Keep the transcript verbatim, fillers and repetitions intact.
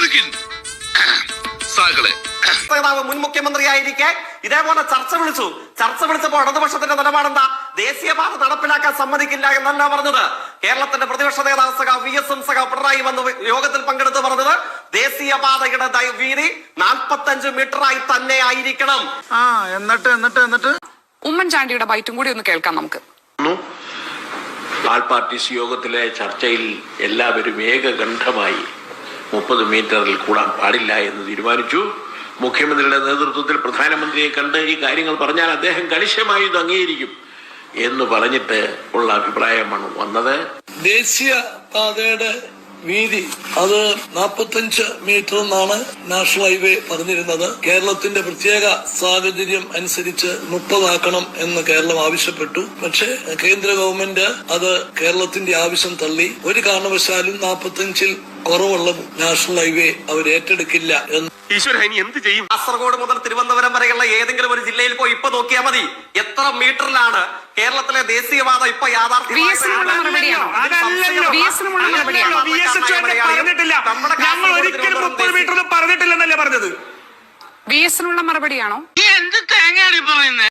നേതാവ് മുൻ മുഖ്യമന്ത്രിയായിരിക്കെ ഇതേപോലെ ചർച്ച വിളിച്ചു. ചർച്ച വിളിച്ചപ്പോൾ ഇടതുപക്ഷത്തിന്റെ നിലപാടെന്താ? ദേശീയപാത നടപ്പിലാക്കാൻ സമ്മതിക്കില്ല എന്നല്ല പറഞ്ഞത്. കേരളത്തിന്റെ പ്രതിപക്ഷ നേതാവ് സഖ വി എസ് എം സഖ പിണറായി വന്ന് യോഗത്തിൽ പങ്കെടുത്ത് പറഞ്ഞത് ദേശീയപാതയുടെ വീതി നാൽപ്പത്തഞ്ച് മീറ്ററായി തന്നെ ആയിരിക്കണം. ആ എന്നിട്ട് എന്നിട്ട് എന്നിട്ട് ഉമ്മൻചാണ്ടിയുടെ ബൈറ്റും കൂടി ഒന്ന് കേൾക്കാം നമുക്ക്. ആൾ പാർട്ടീസ് യോഗത്തിലെ ചർച്ചയിൽ എല്ലാവരും ഏകകണ്ഠമായി മുപ്പത് മീറ്ററിൽ കൂടാൻ പാടില്ല എന്ന് തീരുമാനിച്ചു. മുഖ്യമന്ത്രിയുടെ നേതൃത്വത്തിൽ പ്രധാനമന്ത്രിയെ കണ്ട് ഈ കാര്യങ്ങൾ പറഞ്ഞാൽ അദ്ദേഹം കണിശമായി ഇത് അംഗീകരിക്കും എന്ന് പറഞ്ഞിട്ട് ഉള്ള അഭിപ്രായമാണ് വന്നത്. ദേശീയ പാതയുടെ വീതി അത് നാൽപ്പത്തഞ്ച് മീറ്റർ എന്നാണ് നാഷണൽ ഹൈവേ പറഞ്ഞിരുന്നത്. കേരളത്തിന്റെ പ്രത്യേക സാഹചര്യം അനുസരിച്ച് മുപ്പതാക്കണം എന്ന് കേരളം ആവശ്യപ്പെട്ടു. പക്ഷേ കേന്ദ്ര ഗവൺമെന്റ് അത് കേരളത്തിന്റെ ആവശ്യം തള്ളി. ഒരു കാരണവശാലും നാൽപ്പത്തഞ്ചിൽ കുറവുള്ള നാഷണൽ ഹൈവേ അവർ ഏറ്റെടുക്കില്ല എന്ന്. എന്ത് ചെയ്യും? കാസർഗോഡ് മുതൽ തിരുവനന്തപുരം വരെയുള്ള ഏതെങ്കിലും ഒരു ജില്ലയിൽ പോയി ഇപ്പൊ നോക്കിയാൽ മതി എത്ര മീറ്ററിലാണ് കേരളത്തിലെ ദേശീയപാത ഇപ്പൊ യാഥാർത്ഥ്യം. ഞങ്ങൾ ഒരിക്കലും മുപ്പത് മീറ്റർ പറഞ്ഞിട്ടില്ലെന്നല്ലേ പറഞ്ഞത്? വി എസിനുള്ള മറുപടിയാണോ? എന്ത് തേങ്ങയാണ് പറയുന്നത്?